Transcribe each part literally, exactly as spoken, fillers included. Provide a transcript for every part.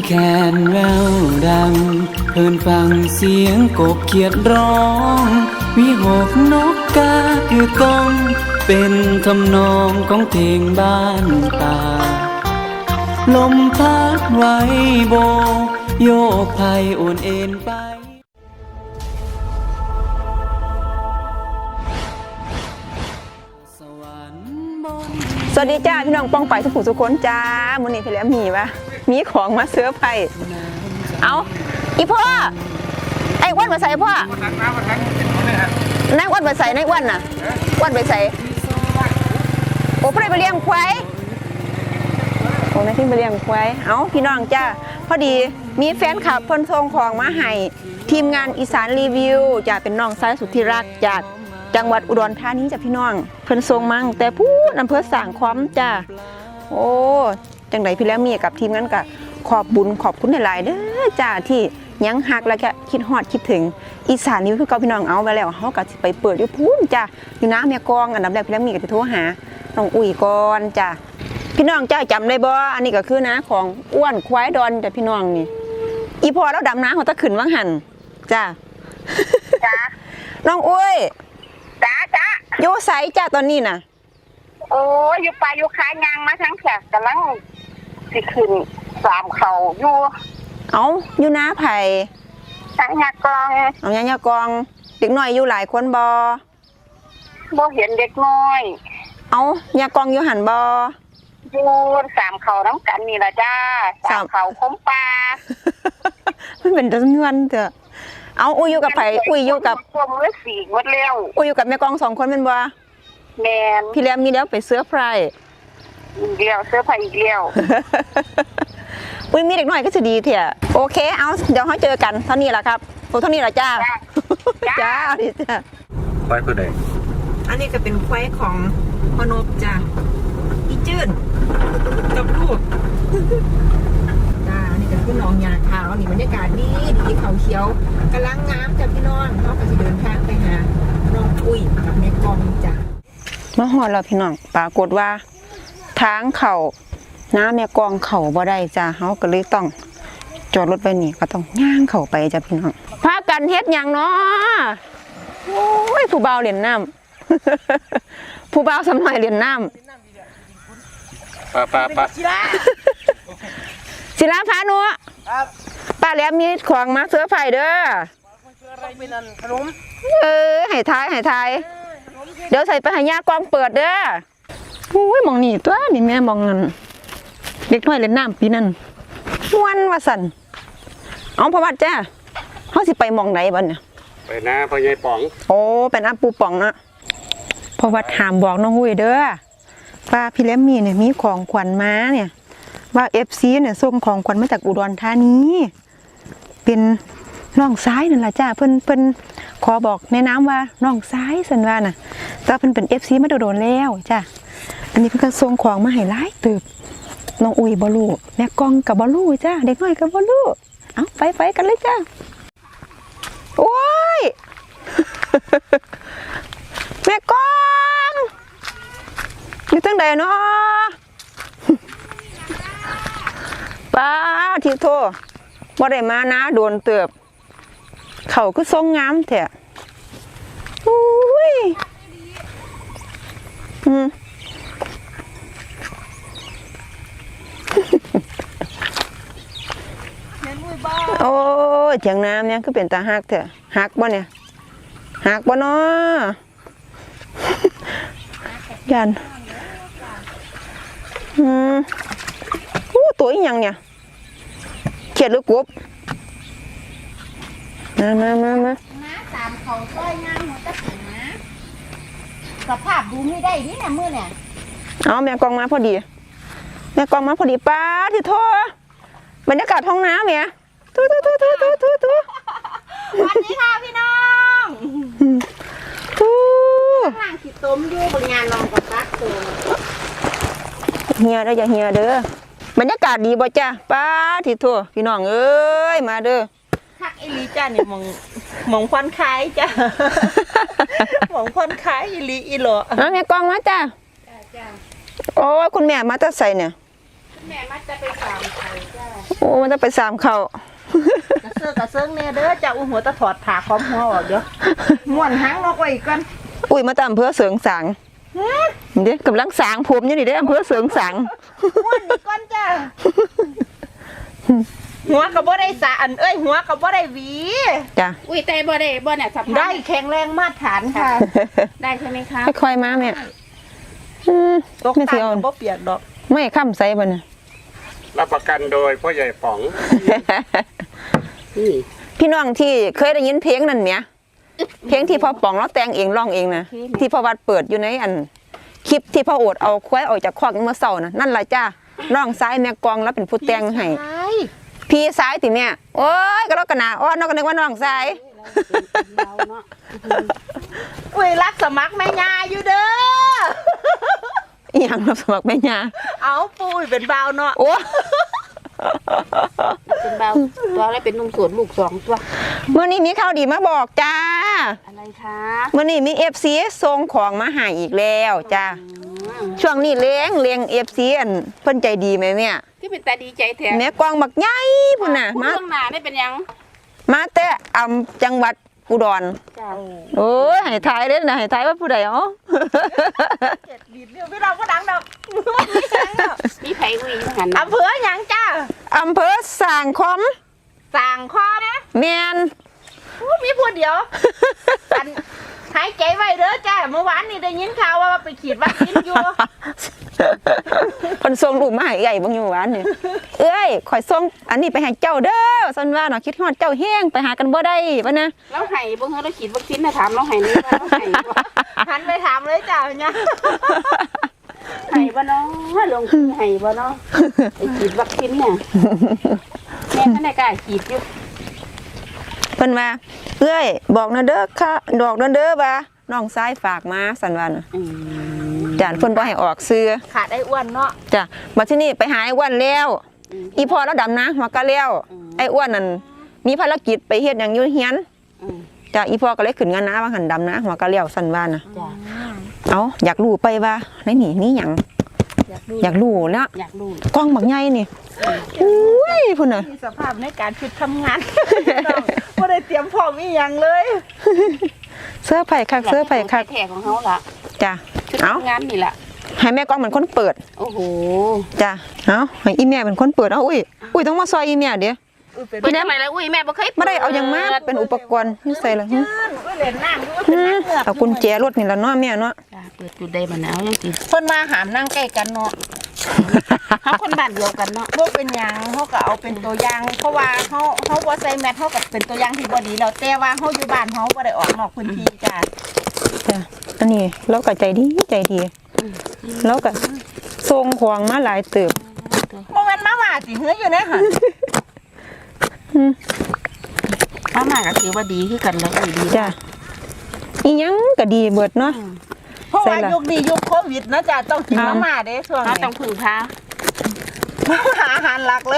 แคนแววดังเพิ่นฟังเสียงกบเขียดร้องวิหกนกกาคือก้องเป็นทำนองของเพลงบ้านป่าลมพัดไว้โบโยกไผ่โอนเอ็นไปสวัสดีจ้าพี่น้องป้องไปทุกผู้ทุกคนจ้ามื้อนี้พี่แล้วมีวะมีของมาเสื้อไผ่เอาอีพ่อไอ้อ้วนมาใส่พ่อนั่งอ้วนมาใส่นั่งอ้วนน่ะอ้วนไปใส่โอ้พ่อไปเลี้ยงควายโอ้แม่ที่ไปเลี้ยงควายเอาพี่น้องจ้าพอดีมีแฟนคลับเพิ่นส่งของมาให้ทีมงานอีสานรีวิวจะเป็นน้องชายสุดที่รักจากจังหวัดอุดรธานีจ้ะพี่น้องเพิ่นส่งมั่งแต่พูดอำเภอสร้างคอมจ้าโอ้จังไดพี่แล้วมีกับทีมงานก็ขอบบุญขอบคุณหลายๆเด้อจ้าที่ยังฮักแล้วก็คิดฮอดคิดถึงอีสานนี่คือเก่าพี่น้องเอาไปแล้วเฮาก็สิไปเปิดอยู่พูนจ้าอยู่น้าแม่กองอันดับแรกพี่แล้วมีก็สิโทรหาน้องอุ้ยก่อนจ้าพี่น้องจ้าจำได้บ่อันนี้ก็คือน้าของอ้วนควายดอนจ้ะพี่น้องนี่อีพอแล้วดำน้าเขาตะขึ้นว่างหันจ้าจ้าน้องอุ้ยจ้าจ้าอยู่ไสจ้าตอนนี้น่ะโอ้ยอยู่ปลาอยู่ขายยางมาทั้งแขกกำลังสิขึ้นสามเขาอยู่เอาอยู่น้าไผ่ทั้งยากองเอายายากองเด็กน้อยอยู่หลายคนบ่บ่เห็นเด็กน้อยเอายากองอยู่หันบ่อยู่สามเขาน้ำกันนี่ล่ะจ้าสามเขาคมปลามันเป็นจำนวนเถอะเอาอุ้ยอยู่กับไผ่อุ้ยอยู่กับพวกมือสีหมดแล้วอุ้ยอยู่กับแม่กองสองคนเป็นบ่แมนพี่แรมมีแล้วไปเสื้อไพรอีกแล้วเสื้อไผ่อีกแล้วอุ้ยมีเด็กน้อยก็จะดีเถอะโอเคเอาเดี๋ยวเขาเจอกันเท่านี้แหละครับโอ้เท่านี้แหละจ้าจ้าดิจ้าควายเพื่อใดอันนี้ก็เป็นควายของพนบจ้าอีจื้นกับลูกจ้านี่ก็คือน้องยาขาวนี่บรรยากาศดีดีเขาเขียวกำลังงามจ้าพี่น้องเขาก็จะเดินทางไปหาน้องอุ้ยกับแม่กองจ้ามาหอดเราพี่น้องปรากฏว่าทางเขาน้าแม่กองเขาบ่ได้จ้าเขาก็เลยต้องจอดรถไปนี่ก็ต้องย่างเขาไปจ้าพี่น้องพากันเฮ็ดอย่างเนาะโอ้ยผู้บ่าวเหรียญน้ำผู้บ่าวสมัยเหรียญน้ำป้าป้าป้าศิลาพาหนูป้าแหลมมีของมาเสื้อไผ่เด้อเออให้ทายให้ทายเดี๋ยวใส่ไปให้ย่ากองเปิดเด้อโอ้ยมองนี่ตัวนี่แม่มองเงินเด็กน้อยเล่นน้ำปีนั้นวันว่าสันเอาพระวัดจ้าเขาสิไปมองไหนบ้านเนี่ยไปนะพ่อใหญ่ป๋องโอ้เป็นอาปูป๋องนะพระวัดหามบอกน้องหุ้ยเด้อป้าพี่เล็มมีเนี่ยมีของขวัญมาเนี่ยว่าเอฟซีเนี่ยส่งของขวัญมาจากอุดรธานีเป็นน้องซ้ายนั่นแหละจ้าเพิ่นเพิ่นขอบอกแนะนำว่าน้องซ้ายสันว่าน่ะแต่เพิ่นเป็นเอฟซีมาโดนแล้วจ้าอันนี้เพิ่นก็ส่งของมาให้หลายตึกน้องอุ้ยบอลูแม่กองกับบอลูจ้าเด็กน้อยกับบอลูเอาไปไปกันเลยจ้าโอ้ย แม่กองอยู่ตั้งใดเนาะป้าทีโทบ่ได้มานะโดนเติบเขาก็ทรงงามแท้อุ้ยอืมโอ้ยเถียงน้ำเนี่ยคือเป็นตาหักเถอะหักบ่เนี่ยหักบ่เนาะยันอืมอู้ตัวอีหยังเนี่ยเขียดหรือกบมามามามาน้าสามเขาต้อยงามหัวตะสีนะสภาพดูไม่ได้นี่นะมือเนี่ยเอาแม่กองมาพอดีแม่กองมาพอดีป้าที่โทษบรรยากาศท้องน้ำเนี่ยทูทูทูทูทูทูทูวันนี้ค่ะพี่น้องทูห่างขีดต้มอยู่บนงานลองกับปักตัวเฮียเด้ออย่าเฮียเด้อบรรยากาศดีบ่จ้ะป้าที่โทษพี่น้องเอ้ยมาเด้อคักอีลีจ้าเนี่ยมองมองควันคล้ายจ้ามองควันคล้ายอีลีอีหล่อเอาแม่กองมาจ้ะโอ้คุณแม่มาตัดใส่เนี่ยแม่มักจะไปสามไข่จ้าโอ้มันจะไปสามเขากระเซาะกระเซิงเนี่ยเด้อจะอุ้มหัวตะถอดผ่าค้อมหัวออกเดี๋ยวม้วนหางนกไว้อีกก่อนอุ้ยมาตามอำเภอเสริงสางเด้กำลังสางผมอยู่นี่เด้อำเภอเสริงสางม้วนอีกก่อนจ้าหัวกับบ่ได้สะอันเอ้ยหัวกับบ่ได้หวีจ้ะอุ้ยแต่บ่ได้บ่เนี่ยสับได้แข็งแรงมาตรฐานค่ะได้ใช่ไหมคะค่อยๆมาแม่อืมตกไม่ตาสิเอาบ่เปียกดอกไม่ค้ำใส่บ่เนี่ยรับประกันโดยพ่อใหญ่ป๋องนี่พี่น้องที่เคยได้ยินเพลงนั่นเมียเพลงที่พ่อป๋องเราแต่งเองร้องเองนะที่พ่อวัดเปิดอยู่ในอันคลิปที่พ่อโอดเอาควายออกจากคอกเมื่อเช้านะนั่นแหละจ้าน้องซ้ายแม่กองแล้วเป็นผู้แต่งให้ใช่พี่ซ้ายติแม่โอ้ยก็แล้วกันนะอ้อนน้องก็นึกว่าน้องซ้ายเราเนาะอุ้ยรักสมัครแม่ยาอยู่เด้ออีหยังรับสมัครแม่ยาเอาปุ้ยเป็นบ่าวเนาะโอ้เป็นเบาตัวอะไรเป็นนุ่มสวนลูกสองตัวเมื่อนี้มีข่าวดีมาบอกจ้าอะไรคะเมื่อนี้มีเอฟซีส่งของมาให้อีกแล้วจ้าช่วงนี้เลี้ยงเลี้ยงเอฟซีอันเพิ่นใจดีไหมแม่ที่เป็นตาดีใจแท้แม่กองบักใหญ่พุ่นน่ะพูดมาเรื่องหนาได้เป็นยังมาแต่อำจังหวัดอุดรจ้าโอ้ยให้ทายเด้นะให้ทายว่าผู้ใดอ๋อเจ็ดดีดเรียวพี่เราก็ดังดอกมีไผ่ลุยหันอำเภอหยังจ้าอำเภอสร้างคอมสั่งคอนะแม่นอู้มีพูดเดียวอันหายใจไว้เด้อจ้าเมื่อวานนี่ได้ยินข่าวว่าไปฉีดวัคซีนอยู่เพิ่นส่งรูปมาให้ใหญ่เบิ่งอยู่หวานนี่เอ้ยข่อยส่งอันนี้ไปให้เจ้าเด้อซั่นว่าเนาะคิดฮอดเจ้าแฮงไปหากันบ่ได้บ่นะแล้วไห้บ่เฮาเราฉีดวัคซีนนะถามเราไห้นี่ว่าเราไห้บ่หันไปถามเลยจ้าเนี่ยไห้บ่เนาะลงคือไห้บ่เนาะไอ้ฉีดวัคซีนเนี่ยแม่ท่านได้กล้าฉีดอยู่เพิ่นว่าเอ้ยบอกนะเด้อค่ะดอกนะเด้อว่าน้องซ้ายฝากมาซั่นว่าน่ะอืมจ้ะเพิ่นบ่ให้ออกซื้อขาดไอ้อ้วนเนาะจ้ะบัดทีนี้ไปหาไอ้อ้วนแล้ว อีพ่อแล้วดำนะหัวก็แล้วไอ้อ้วนนั่นมีภารกิจไปเฮ็ดหยังอยู่เฮียนอืมจ้ะอีพ่อก็เลยขึ้นงานนะว่าหันดำนะหัวก็แล้วซั่นว่าน่ะจ้าเอาอยากรู้ไปว่าในนี่มีหยังอยากดูอยากรู้แล้วอยากดูกล้องบักใหญ่นี่อุ้ยพุ่นน่ะมีสภาพในการชุดทำงานไม่ได้เตรียมพร้อมอีหยังเลยเสื้อไผ่คักเสื้อไผ่คักแท้ของเขาล่ะจ้ะชุดเอาทำงานนี่ล่ะให้แม่กล้องเป็นคนเปิดโอ้โหจ้ะเอาให้อีแม่เป็นคนเปิดเอาอุ้ยอุ้ยต้องมาซอยอีแม่เดี๋ยวอุ้ยเป็นเปิดทำไมล่ะอุ้ยแม่บ่เคยไม่ได้เอาหยังมาเป็นอุปกรณ์นี่ใส่ละหึอุ้ยเหรียญน้ำอุ้ยหึเป็นนักเลือกเอากุญแจรถนี่ละเนาะแม่เนาะจ้าเปิดจุดใดมันเอาจังซี่เพิ่นมาหามนั่งใกล้กันเนาะเฮาคนบ้านเดียวกันเนาะบ่เป็นหยังเขาก็เอาเป็นตัวอย่าง เพราะว่าเขาเขาบ่ใส่แมสเขาก็เป็นตัวอย่างที่บ่ดีแล้วแต่ว่าเขาอยู่บ้านเขาบ่ได้ออกนอกพื้นที่จ้ะจ้ะอันนี้เราก็ใจดีใจดีเราก็ส่งของมาหลายเติบบ่แม่นมาว่าสิเฮืออยู่ในหั่นมามาก็ถือว่าดีคือกันแล้วอุ้ยดีจ้ะอีหยังก็ดีเบิดเนาะเพราะว่าใส่ล่ะยุคนี้ยุคโควิดนะจ้ะต้องกินมาม่าเด้ช่วงเรานี้ต้องพึ่งพาหาอาหารหลักเลย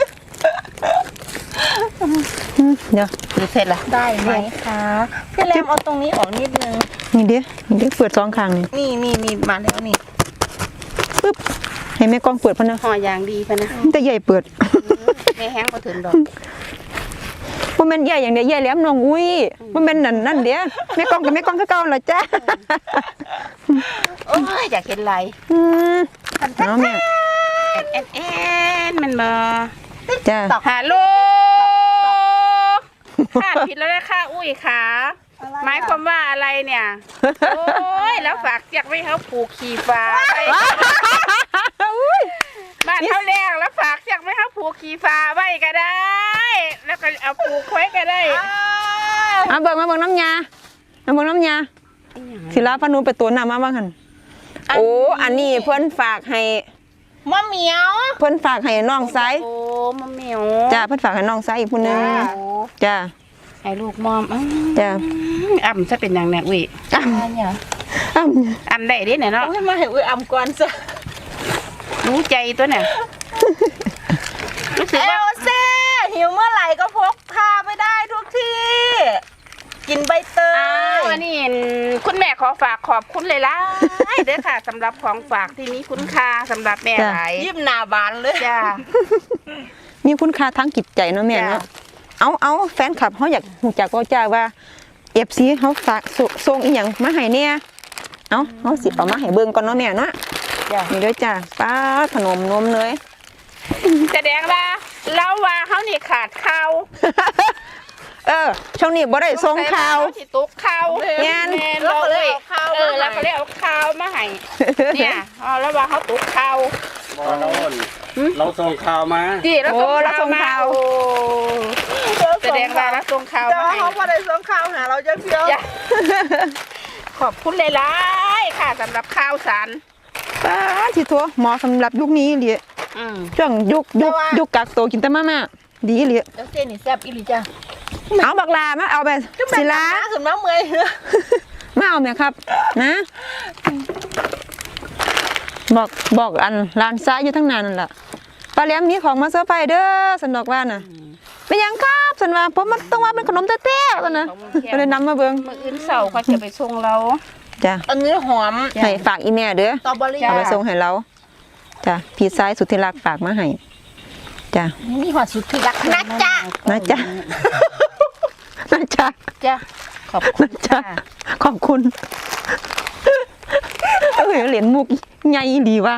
หึเดี๋ยวหรือเสร็จละได้ไหมคะพี่แรมเอาตรงนี้ออกนิดนึงนี่เด้นี่เด้เปิดสองข้างนี่นี่นี่นี่มาแล้วนี่ปึ๊บให้แม่กล้องเปิดพะนะห่ออย่างดีพะนะมันจะใหญ่เปิดแม่แห้งบ่ถึงดอกบ่แม่นใหญ่อย่างเดียวใหญ่แหลมน้องอุ้ยบ่แม่นนั่นนั่นเด้แม่กล้องกับแม่กล้องคือเก่าล่ะจ้ะโอ้ยอยากเห็นไหลอืมเอาแม่แอนแอนมันมาจ้ะฮัลโหลค่ะผิดแล้วนะค่ะอุ้ยขาหมายความว่าอะไรเนี่ย โอ้ยแล้วฝากเสียกไว้เขาผูกขี่ฟ้าไปบ้านเขาแรงแล้วฝากเสียกไว้เขาผูกขี่ฟ้าไว้ก็ได้ แล้วก็เอาผูกไว้ก็ได้เอาเบิ่งมาเบิ่งน้ำยามาเบิ่งน้ำยาศิลาพนุไปตัวน้ำมาบ้างหั่นโอ้อันนี้เพิ่นฝากให้มะเหมียวเพิ่นฝากให้น้องซ้ายโอ้มะเหมียวจ้ะเพิ่นฝากให้น้องซ้ายอีกผู้หนึงโอ้จ้ะให้ลูกมอมอ้จ้ะำอ่ำซะเป็นอย่างแน่อุ้ยอ้ำเนี่ยอ้ำอ่ำได้ดิเนี่ยเนาะโอ้ยมาให้อุ้ยอำก่อนซะรู้ใจตัวเนี่ยรู้สึกเอว่าลเซ่หิวเมื่อไหร่ก็พกพาไปได้ทุกที่ กินใบเตอ้าวยวันนี้คุณแม่ขอฝากขอบคุณเลยล่ะเด้อค่ะสำหรับของฝากที่มีคุณค่าสำหรับแม่หลายยิ้มหน้าบานเลยจ้ามีคุณค่าทั้งจิตใจเนาะแม่เนาะจ้ะเอาเอาแฟนคลับเขาอยากรู้จักว่าจ้าว่าเอฟซีเขาฝากส่งส่งอีหยังมาให้เนี่ยเอาเขาสิเอามาให้เบิ่งก่อนเนาะแม่เนาะจ้านี่ด้วยจ้าป้าขนมนมเลยแสดงว่าเราว่าเขานี่ขาดข้าวเออช่วงนี้บ่ได้ส่งข่าวสิตุกข้าวแม่นแม่นเราเลยเออเราก็เลยเอาข้าวมาให้เนี่ยอ๋อแล้วว่าเขาตุกข้าวบอเราอ่อนเราส่งข่าวมาจีเราโอ้ส่งเราส่ข้าวงมาข่าวโอ้แสดงว่าเราส่งข้าวแต่มาว่าให้เขาบ่ได้ส่งข่าวหาเราจังเดียวจ้ะขอบคุณหลายๆค่ะสำหรับข้าวสารป้าที่ทัวเหมาะสำหรับยุคนี้เลยอืมช่วงยุคยุคยุคกักตัวกินแต่มาม่าดีเลยแล้วเส้นนี่แซ่บอีหลีจ้ะเอาบักลามาเอาไปศิลาขึ้นมาเมื่อยมาเอาไหมครับ นะ บอกบอกอันร้านซ้ายอยู่ทั้งนานนั่นแหละปลาแหลมมีของมาเซอร์ไพรส์เด้อสันดอกว่าน่ะเป็นหยังครับสันว่าผมมันต้องว่าเป็นขนมแต้ๆสันนะก็เลยนำมาเบิ่งมื้ออื่นเสาร์เขาจะไปส่งเราจ้ะอันนี้หอมให้ฝากอีแม่เด้อสตรอเบอรี่จ้ะเอาไปส่งให้เราจ้ะพี่ซ้ายสุดที่รักฝากมาให้จ้ะมีหัวสุดที่รักนะจ๊ะนะจ๊ะนะจ๊ะจ้ะขอบคุณนะจ๊ะจ้ะขอบคุณเอ้ยเหรียญมุกใหญ่ดีว่ะ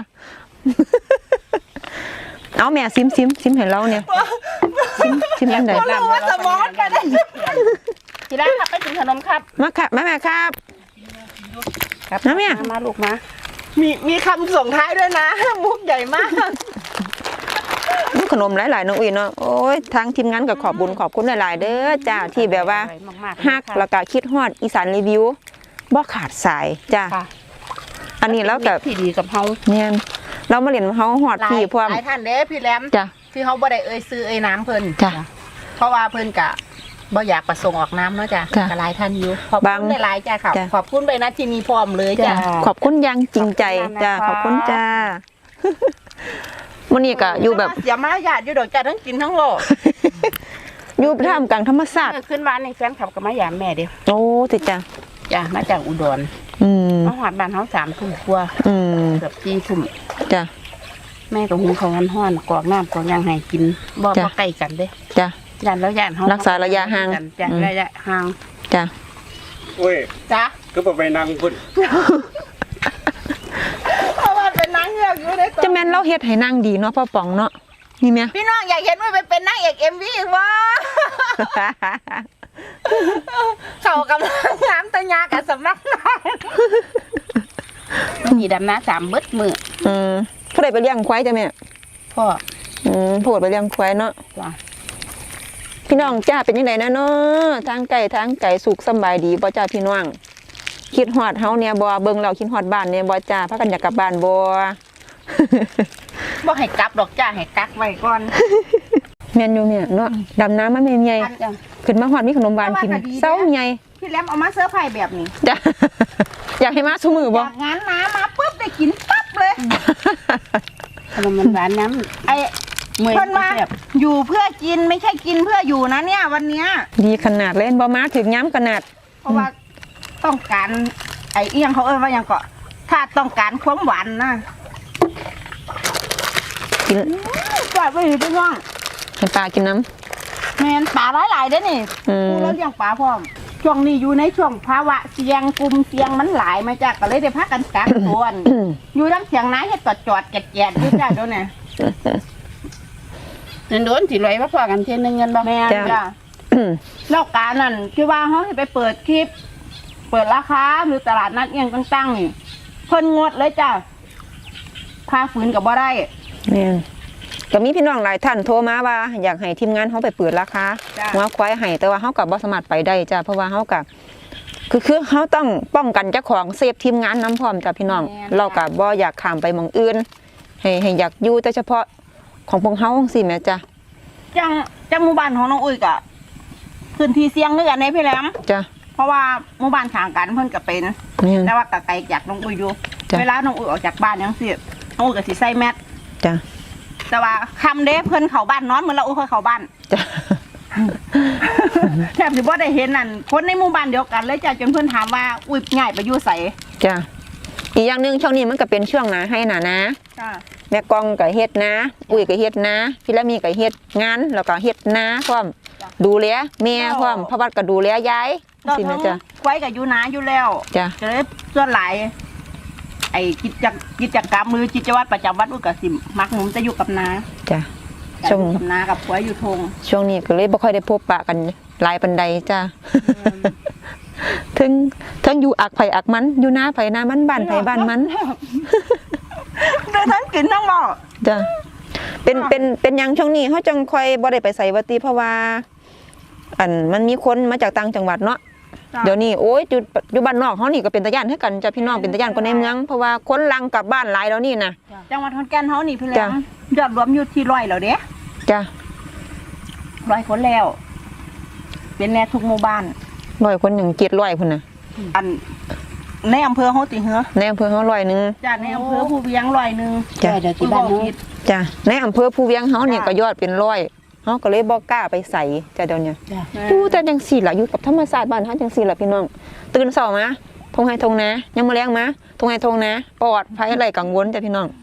เอาแม่ซิมซิมซิมให้เราเนี่ยซิมซิมอันใดรู้ว่าสมองกันได้ที่ร้านครับไปกินขนมครับมาค่ะมาแม่ครับครับนะแม่มาลูกมามีมีคำส่งท้ายด้วยนะ มุกใหญ่มากมีขนมหลายๆน้องอุ้ยเนาะโอ้ยทางทีมงานก็ขอบบุญขอบคุณหลายๆเด้อจ้าที่แบบว่าอร่อยมากๆเลยฮักค่ะแล้วก็คิดฮอดอีสานรีวิวบ่ขาดสายจ้าค่ะอันนี้แล้วก็ที่ดีกับเฮาเนี่ยเรามาเรียนเฮาฮอดหลายพี่พร้อมหลายท่านเด้พี่แหลมจ้ะที่เขาบ่ได้เอ่ยซื้อเอ่ยน้ำเพิ่นจ้ะเพราะว่าเพิ่นกะบ่อยากประสงค์ออกน้ำเนาะจ้ะจ้ะก็หลายท่านอยู่ขอบบางคุณหลายๆจ้ะค่ะจ้ะขอบคุณไปนะที่มีพร้อมเลยจ้ะขอบคุณอยังจริงใจจ้าขอบคุณจ้ามื้อนี้ก็อยู่แบบเสียมารยาทอยู่ดอกจ้ะทั้งกินทั้งโลกอยู่ท่ามกลางธรรมชาติเมื่อขึ้นบ้านในแฟนขับกับมายามแม่เดียวโอ้ติจ้าจ้ะมาจากอุดรอืมมาหอดบ้านเฮาสามทุ่มกว่าอืมเกือบสี่ทุ่มจ้าแม่ก็หุงข้าวห้อนๆกรอกน้ำกรอกหยังให้กินบ่จ้ะบ่ใกล้กันเด้จ้าย่านแล้วย่านเฮารักษาระยะห่างจ้ะอืมระยะห่างจ้าอุ้ยจ้ะก็บอกไปนั่งพุ่นเพราะว่าเป็นนางเงือกอยู่ในตัวจะแม่นเราเฮ็ดให้นางดีเนาะพ่อป๋องเนาะนี่แม่พี่น้องอยากเห็นว่าไปเป็นนางเอกเอ็มวีอีกวะเขากำลังน้ำตะยากับสำนักนางมีดำน้าสามเบิดมืออืมผู้ใดไปเลี้ยงควายจ้ะแม่พ่ออืมผู้ใดไปเลี้ยงควายเนาะจ้ะพี่น้องจ้าเป็นยังไงนะเนาะทางไก่ทางไก่สุขสำบายดีบ่จ้าพี่น้องคิดฮอดเฮาเนี่ยบ่เบิ่งเราคิดฮอดบ้านเนี่ยบ่จ้าพากันอยากกลับบ้านบ่บ่ให้กลับดอกจ้าให้กักไว้ก่อนแม่นอยู่เนี่ยเนาะดำน้ำมาแม่ใหญ่จ้ะขึ้นมาฮอดมีขนมหวานกินเซาใหญ่พี่แหลมเอามาเสื้อผ้าแบบนี้จ้า อยากให้มาซุมือบ่จากงานน้ำมาปุ๊บได้กินปั๊บเลยขนมมันหวานน้ำไอ้เมื่อยเพิ่นมาแซ่บอยู่เพื่อกินไม่ใช่กินเพื่ออยู่นะเนี่ยวันเนี้ยดีขนาดเล่นบ่มาถึงย้ำขนาดเพราะว่าต้องการไอ้เอียงเขาเอ้ยว่าหยังก็ถ้าต้องการความหวานนะกินปล่อยไปอยู่พี่น้องให้ปลากินน้แมนปลาหลายๆเด้อนี่ำอืมกูแล้วเลี้ยงปลาพร้อมช่วงนี้อยู่ในช่วงภาวะเสี่ยงกลุ่มเสี่ยงมันหลายมาจากก็เลยได้พักกันกักตัวอืมอยู่ทั้งเสียงน้าเฮ็ดจอดจอดๆแกะแกะอยู่จ้าเดี๋ยวนี้เงินโดนสิลอยมาพอกันเที่ยนึงเงินบ่แม่นจ้าอืมแล้วการนั่นคือว่าเขาให้ไปเปิดคลิป เปิดราคาหรือตลาดนัดเอียงต่างๆนี่เพิ่นงดเลยจ้าพาฝืนกับบ่ได้แม่นก็มีพี่น้องหลายท่านโทรมาว่า อยากให้ทีมงานเขาไปเปิดราคาจ้ะหัวควายให้แต่ว่าเขากับบ่สามารถไปได้จ้ะเพราะว่าเขากับคือคือเขาต้องป้องกันเจ้าของเซฟทีมงานน้ำพร้อมจ้ะพี่น้อง เรากับบ่อยากข้ามไปหมองอื่น ให้ให้อยากอยู่แต่เฉพาะของพวกเขาสิแม่จ้ะจังจังหมู่บ้านของน้องอุ้ยก็พื้นที่เสี่ยงเรื่องในพี่แหลมจ้ะเพราะว่าหมู่บ้านข้างกันเพิ่นก็เป็นแม่นแต่ว่าก็ไกลจากน้องอุ้ยอยู่จ้ะเวลาน้องอุ้ยออกจากบ้านจังซี่น้องอุ้ยก็สิใส่แมสจ้ะแต่ว่าคำเด้เพิ่นเข้าบ้านนอนเหมือนเราอุ้ยเคยเข้าบ้านจ้ะแทบสิบ่ได้เห็นนั่นคนในหมู่บ้านเดียวกันเลยจ้ะจนเพิ่นถามว่าอุ้ยง่ายไปอยู่ไสจ้ะอีกอย่างหนึงช่วงนี้มันก็เป็นช่วงหนาให้หนานะจ้ะแม่กองก็เฮ็ดนะอุ้ยก็เฮ็ดนะพี่ละมีก็เฮ็ดงานแล้วก็เฮ็ดนาพร้อมดูแลแม่พร้อมพระวัดก็ดูแลยายเราสิแม่ทั้งจ้ะไว้กับอยู่นาอยู่แล้วจ้ะจะได้ส่วนหลาย ไอ้กิจกิจกรรมมือกิจวัตรประจำวันอุ้ยก็สิมักหนุนจะอยู่กับนาจ้ะจะช่วงอยู่กับนากับผัวอยู่ทงช่วงนี้ก็เลยบ่ค่อยได้พบปะกันหลายปานใดจ้ะถึงถึงอยู่อักไผอักมันอยู่นาไผนามันบ้านไผบ้านมันได้ทั้งกินทั้งหม้อจ้ะเป็นเป็นเป็นหยังช่วงนี้เขาจังค่อยบ่ได้ไปใส่วัติเพราะว่า อันมันมีคนมาจากต่างจังหวัดเนาะเดี๋ยวนี้โอ้ยอยู่อยู่บ้านนอกเขานี่ก็เป็นตาย่านให้กันจ้ะพี่น้องเป็นตาย่านคนในเมืองเพราะว่าคนลังกลับบ้านหลายแล้วนี่นะจังหวัดขอนแก่นเฮานี่พี่แหลจ้ะมยอดรวมอยู่ที่ร้อยแล้วเด้จ้ะร้อยคนแล้ว เป็นแน่ทุกหมู่บ้านร้อยคนหนึ่งเจ็ดร้อยคนน่ะอันในอำเภอเฮาติเหรอในอำเภอเขาร้อยหนึ่งจ้ะในอำเภอผู้เวียงร้อยหนึงจ้ะเดี๋ยวที่บ้านเนาะจ้ะในอำเภอภูเวียงเขาเนี่ยจ้ะก็ยอดเป็นร้อยเขาก็เลยบ่กล้าไปใส่จ้ะเดี๋ยวนี้จ้ะอยู่แต่จังสี่ล่ะอยู่กับธรรมศาสตร์บ้านเฮาจังสี่ล่ะพี่น้องตื่นเช้ามาทงไห้ทงนายังมื้อแลงมาทงไห้ทงนาปลอดภัยไรกังวลจ้ะพี่น้อง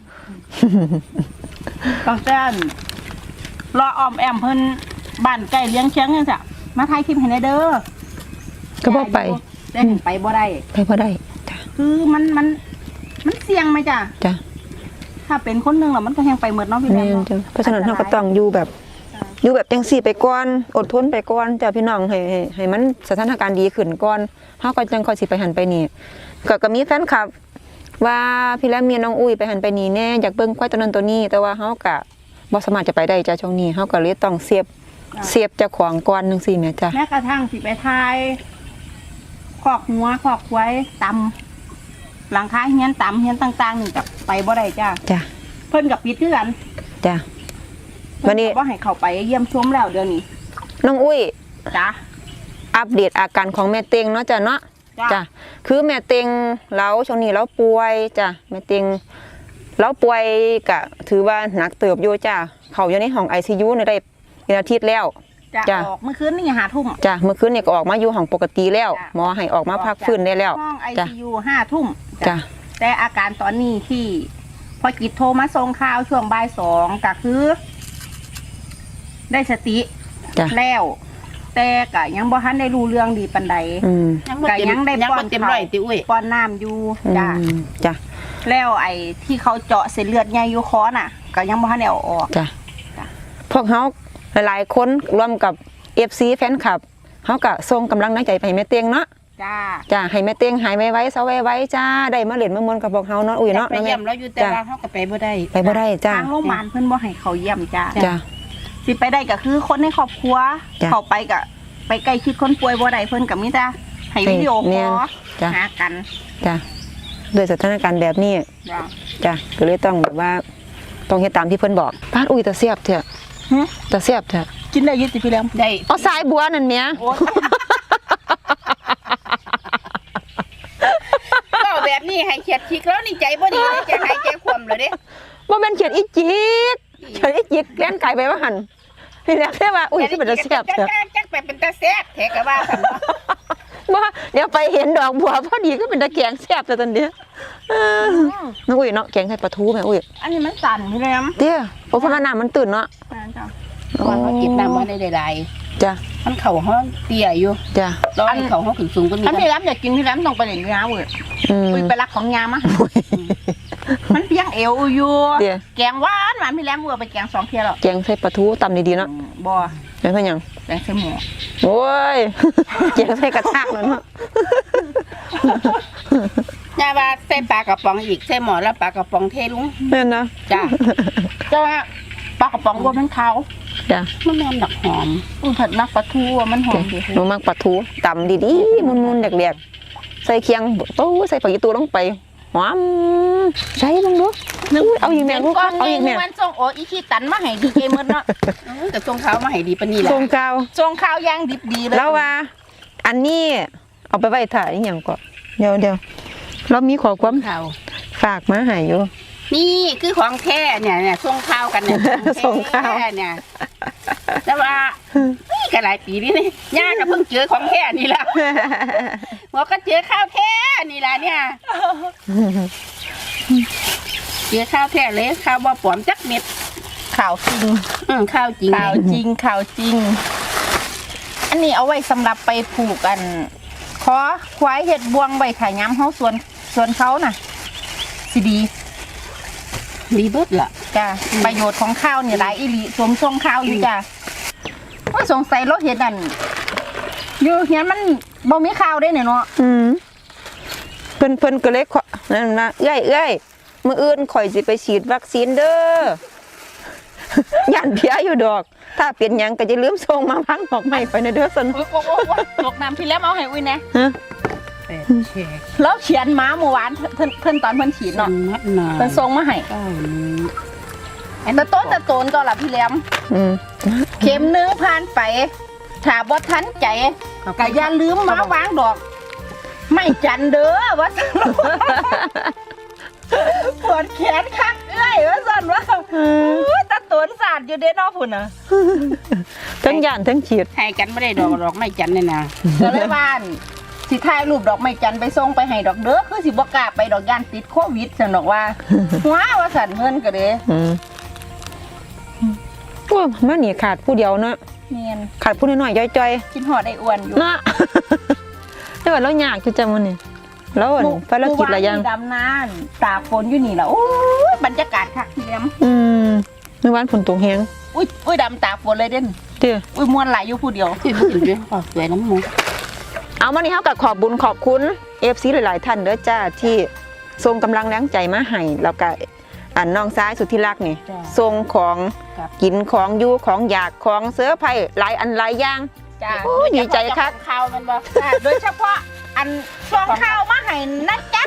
ตั้งแต่อันรออ้อมแอมเพิ่นบ้านใกล้เลี้ยงเชียงจังซี่มาถ่ายคลิปให้แน่เด้อก็บ่ไปได้ไปบ่ได้ไปบ่ได้จ้ะคือมันมันมันเสี่ยงไหมจ้ะจ้ะถ้าเป็นคนหนึงแล้วมันก็แฮงไปหมดเนาะพี่แหลแม่มนเนาะจ้ะเพราะฉะนั้นเราก็ต้องอยู่แบบอยู่แบบจังสี่ไปก่อนอดทนไปก่อนจ้ะพี่น้องให้ให้ให้มันสถานการณ์ดีขึ้นก่อนเฮาก็จังค่อยสิไปหันไปนี่ก็ก็มีแฟนคลับ ว่าพี่และเมียน้องอุ้ยไปหันไปนี่แน่อยากเบิ่งควายตัวนั้นตัวนี้ แต่ว่าเฮาก็บ่สามารถจะไปได้จ้ะช่วงนี้เฮาก็เลยต้องเสียบเสียบเจ้าของก่อนจังซี่แม่จ้ะแม้กระทั่งสิไปทายคอกหัวคอกควายตำหลังคาเฮียนตำเฮียนต่างๆนี่กับไปบ่ได้จ้าจ้ะเพิ่นกับปิดคือกันจ้ะ วัเพิ่นนนี้ก็บ่ให้เข้าไปเยี่ยมชมแล้วเดี๋ยวนี้น้องอุ้ยจ้าอัปเดตอาการของแม่เต็งเนาะจ้ะเนาะจ้ะจ้ะคือแม่เต็งเราช่วงนี้เราป่วยจ้ะแม่เต็งเราป่วยก็ถือว่าหนักเติบอยู่จ้ะเขาอยู่ในห้อง ไอ ซี ยู เนี่ยได้เป็นอาทิตย์แล้วจ้าจ้ะออกเมื่อคืนนี่หาทุ่มจ้ะเมื่อคืนเนี่ยก็ออกมาอยู่ห้องปกติแล้วจ้ะหมอให้ออกมาพักฟื้นได้แล้วห้องไอจ้ะซียูห้าทุ่มจ้ะแต่อาการตอนนี้ที่ พอจิตโทรมาส่งข่าวช่วงบ่ายสองก็คือ ได้สติจ้ะแล้ว แต่ก็ยังบ่ทันได้รู้เรื่องดีปานใดอืมยังบ่เต็มก็ยังได้ยังป้อบ่นเต็มร้อยติอุ้ยป้อนน้ำอยู่จ้าอืมจ้ะแล้วไอ้ที่เขาเจาะเส้นเลือดใหญ่อยู่คอน่ะ ก็ยังบ่ทันได้เอาออกจ้ะจ้ะพวกเขาหลายๆคนรวมกับ เอฟ ซี แฟนคลับเขาก็ส่งกำลังใจไปให้แม่เตียงเนาะจ้าจ้ะให้แม่เตียงหายไวๆเซาไวๆจ้าได้มาเล่นมามวนกับพวกเขาเนาะอุ้ยเนาะไปเยี่ยมแล้วอยู่แต่ว่าเฮาก็ไปบ่ได้ไปบ่ได้จ้าทางโรงพยาบาลเพิ่นบ่ให้เขาเยี่ยมจ้าจ้าสิไปได้ก็คือคนในครอบครัวจ้ะเขาไปก็ไปใกล้ชิดคนป่วยบ่ได้เพิ่นก็มีแต่ให้วิดีโอคแม่อน ลจ้ะหากันจ้าด้วยสถานการณ์แบบนี้จ้าจ้าก็เลยต้องแบบว่าต้องเฮ็ดตามที่เพิ่นบอกป้าดอุ้ยตาเสียบเถอะหึตาเสียบเถอะกินได้อยิสิพี่แหลมได้เอาสายบัวนั่นเมียโอ้ก็แบบนี้ให้เขียดชิกแล้วนี่ใจบ่ดีเลยจะหายใจคว่ำเลยเด้บ่แม่นเขียดอีจิกเขียดอีจิกแล่นไก่ไปว่าหั่นนี่แหละแค่ว่าอุ้ยที่เป็นตาเสียบเถอะจักจักไปเป็นตาแซ่บแท้ก็ว่าซั่นเนาะว่าเดี๋ยวไปเห็นดอกบัวพอดีก็เป็นตะแกงแซ่บแต่ตอนเดียวเออน้องอุ้ยเนาะแกงไข่ปลาทูแม่อุ้ยอันนี้มันสั่นพี่แหลมเตี้ยโอ้เพราะว่าน้ำมันตื่นเนาะนั่นจ้ะว่าเขากินน้ำบ่ได้หลายจ้ะๆมันเข้าห้องเตี้ยอยู่จ้ะตอนเข้าห้องขึ้นสูงกว่านี้อันพี่แหลมอยากกินพี่แหลมต้องไปเล่นยาเว้ยอืมอุ้ยไปรักของยามามันเพียงเอวอยู่เดี๋ยวแกงหวานหวานพี่แหลมเว้ยไปแกงสองเที่ยแล้วแกงไข่ปลาทูตำดีๆเนาะบ่เป็นเพื่อนยังแกงใส่หมูโอ้ย แกงไข่กระทากแล้วเนาะย่าว่าใส่ปลากระป๋องอีกใส่หม้อแล้วปลากระป๋องเทลุงแม่นนะจ้ะแต่ว่าปลากระป๋องบ่มันขาวจ้ะมันแม่นดอกหอมอุ้ยผัดนักปลาทูอะมันหอมดีหนูมักปลาทูตำดีๆมุนๆแดกๆใส่เคียงโอ้ใส่ผักยีตูลงไปหอมใส่ลงดูอุ้ยเอาอีกแม่ลูกก่อนเอาอีกแม่วันส่งโออีขี้ตันมาให้ดีเจหมดเนาะเออแต่ทรงเขามาให้ดีปานนี้แหละทรงเก่าส่งข้าวย่างดิบดีเลยแล้วว่า อันนี้เอาไปไว้ถ่ายอหย่างก่อนเดี๋ยวเดี๋ยวเรามีขอความเขาฝากมาให้อยู่นี่คือของแท้เนี่ยเนี่ยส่งข้าวกันเนี่ยส่งข้าวของแท้เนี่ยแต่ว่านี่ก็หลายปีนี่นี่ย่าก็เพิ่งเจอของแท้นี่แหละบอกก็เจอข้าวแท้นี่แหละเนี่ยเจอข้าวแท้เลยข้าวบ่ปลอมจักเม็ดข่าวจริงอืมข้าวจริงข่าวจริงข่าวจริง อันนี้เอาไว้สำหรับไปผูกกันขอควายเห็ดบวงใบขายย้ำเขาสวนสวนเขาน่ะสิดีดีเบิดล่ะจ้ะประโยชน์ของข้าวเนี่ยหลายอีหลีสวมทรงข้าวอยู่จ้ะว่าสงสัยรถเห็ดนั่นอยู่เฮียนมันบ่มีข้าวได้เนี่ยเนาะอืมเพิ่นเพิ่นก็เลยขอนั่นนะเอ้ยเอ้ยมื้ออื่นข่อยสิไปฉีดวัคซีนเด้อย่านเพียอยู่ดอก ถ้าเป็นหยังก็จะลืมส่งมาพังดอกไม้ไปนะเด้อซั่นโอ้โหตกน้ำพี่แล้วเอาให้อุ้ยนะฮะเป็ดเชกแล้วเขียนม้าเมื่อวานเพิ่นเพิ่นตอนเพิ่นฉีดนอเนาะนนัดหนาเพิ่นส่งมาให้เก้านี้แต่ต้นแต่โตนตัวละพี่แหลมอืมเข็มหนึงผ่านไปถ้าบ่ทันใจก็อย่าลืมมาวางดอก ไม่จันเด้อว่าซั่นปวดแขนคักเอ้ยว่าซั่นว่าอู้ตาโตนสาดอยู่เด้เนาะพุ่นน่ะทั้งย่านทั้งฉีดให้กันไม่ได้ดอกดอกไม่จันเนี่ยนะก็เลยว่าอั่นสิถ่ายรูปดอกไม้จันทร์ไปส่งไปให้ดอกเด้อคือสิบ่กล้าไปดอกย่านติดโควิดซั่นดอกว่า ว้าว่าซั่นเพิ่นก็เด้อืมโอ้ยมานี่ขาดผู้เดียวเนาะเนียนขาดผู้น้อยๆจ้อยกินหอดไอ้อ้วนอยู่ๆเนาะ แต่ว่าเรายากจังๆมื้อนี้แล้วอั่นภารกิจหลายอย่างเมื่วานมีดำนานตากฝนอยู่นี่ล่ะโอ้ยบรรยากาศคักพี่แหลมอืมเมื่อวานฝนตกแฮงอุ้ยอุ้ยดำตากฝนเลยเด่นเด้ออุ้ยม่วนหลายอยู่ผู้เดียวที่พูดถึงเรื่องความสวยน้ำมูกเอามานี่เฮาก็ขอบบุญขอบคุณ เอฟ ซี หลายๆท่านเด้อจ้าที่ส่งกำลังแรงใจมาให้แล้วก็อันน้องซ้ายสุดที่รักนี่ส่งของกินของอยู่ของอยากของเสื้อไผ่หลายอันหลายอย่างจ้าโอ้ยดีใจคักข้าวมันบ่จ้าโดยเฉพาะอันซองข้าวมาให้นะจ๊ะ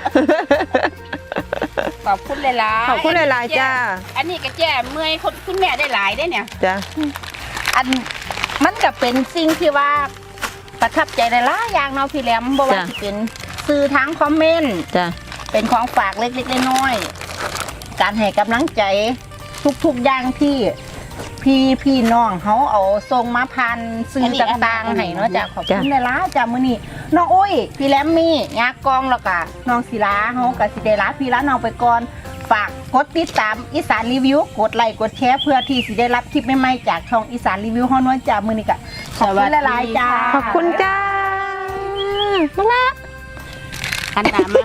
ขอบคุณหลายๆขอบคุณหลายๆจ้าอันนี้ก็แจ้เมื่อยคนคุณแม่ได้หลายได้เนี่ยจ้าอันมันก็เป็นสิ่งที่ว่าประทับใจหลายๆอย่างเนาะพี่แหลมบ่ว่าสิเป็นสื่อทางคอมเมนต์จ้าเป็นของฝากเล็กๆน้อยๆการให้กำลังใจทุกๆอย่างที่พี่พี่น้องเขาเอาส่งมาพันซื้อต่างๆให้เนาะจ้ะขอบคุณหลายๆจ้ะมื้อนี้น้องอุ้ยพี่แหลมมี่ยากองแล้วก็น้องศิลาเฮาก็สิได้ลาพี่ลาน้องไปก่อนฝากกดติดตามอีสานรีวิวกดไลค์กดแชร์เพื่อที่สิได้รับคลิปใหม่ๆจากช่องอีสานรีวิวเฮาเนาะจ้ะมื้อนี้ก็ขอบคุณหลายๆจ้าขอบคุณจ้าบักละขันตามมา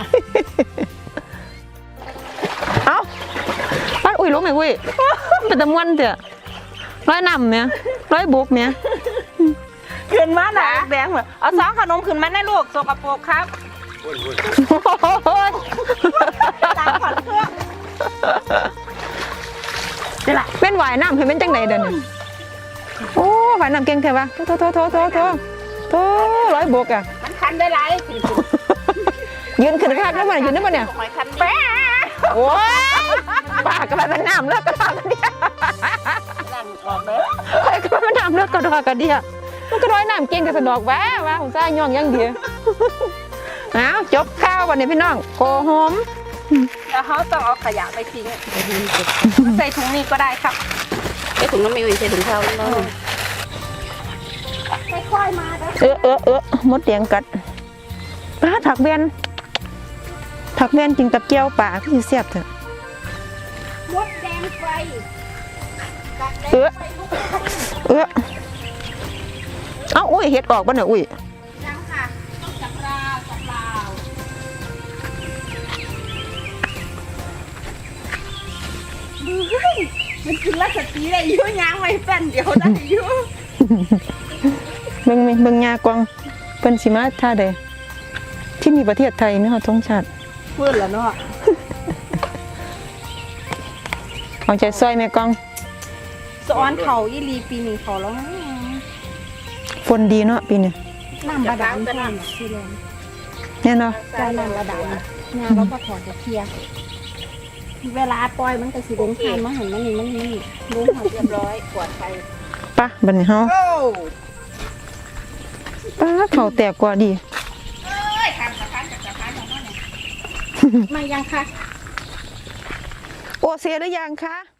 เอ้าบ้านอุ้ยรู้ไหมอุ้ยเป็นตะมวนเถอะร้อยนำเนี่ยร้อยบุกเนี่ยขึ้นมาหนาแดงเหรอเอาซองขนมขึ้นมาแน่ลูกสกปรกครับตามขวัญเครื่องนี่แหละเป็นหวายน้ำเห็นเป็นจังไหนเดินโอ้หวายน้ำเก่งเถอะวะโถโถโถโถโถโถร้อยบวกอ่ะมันคันได้หลายสิยืนขึ้นข้างได้ป่ะยืนได้ป่ะเนี่ยหอยคันแปะโอ้ยปากกระเป็นน้ำเลิกกระดากระเดียนั่นออกเด้อไอ้กระเป็นน้ำเลิกกระดากระเดียมันก็ร้อยน้ำเก่งแต่สะดอกแวะว่าผมซ่าย่องยังเดียวอ้าวจบข้าววันนี้พี่น้องโกหมแล้วเขาต้องเอาขยะไปทิ้งใส่ถุงนี้ก็ได้ครับไอ้ถุงน้ำมีไว้ใส่ถุงข้าวแล้วค่อยๆมาเด้อเออเออเออมดเตียงกัดป้าถักเวียนถักเวียนกินกับเกี๊ยวป่าพี่เสียบเถอะมดแดงไฟกัดแดเอง อไฟลุกเออเอ้าอุ้ยเฮ็ดออกบ้านเนี่ยอุ้ยยังค่ะต้องจับราวจับราวเฮ้ยมันกินแล้วสตีได้ยุ่ยางไว้แป้นเดียวได้ยุ่เบิ่งเบิ่งยากวางเพิ่นสิมาท่าใดที่นี่ประเทศไทยมีเฮาธงชาติเพื่อนละเนาะเอาใจซอยแม่กองสอนเขาอีลีปีนี้เขาแล้วฝนดีเนาะปีนี้น้ำบาดาลก็น้ำสีแดงแน่เนาะใจน้ำบาดาลงานเราก็ถอดจะเคลียร์เวลาปล่อยมันก็สีแดงขานมาหันมันนี่มันนี่ลุงหันเรียบร้อยกวาดไปปะบัดนี้เฮาโอ้ป้าเขาแตกกว่าดีเอ้ยคันสะพานจากสะพานของมันเนี่ยมายังค่ะเซหรือยังคะ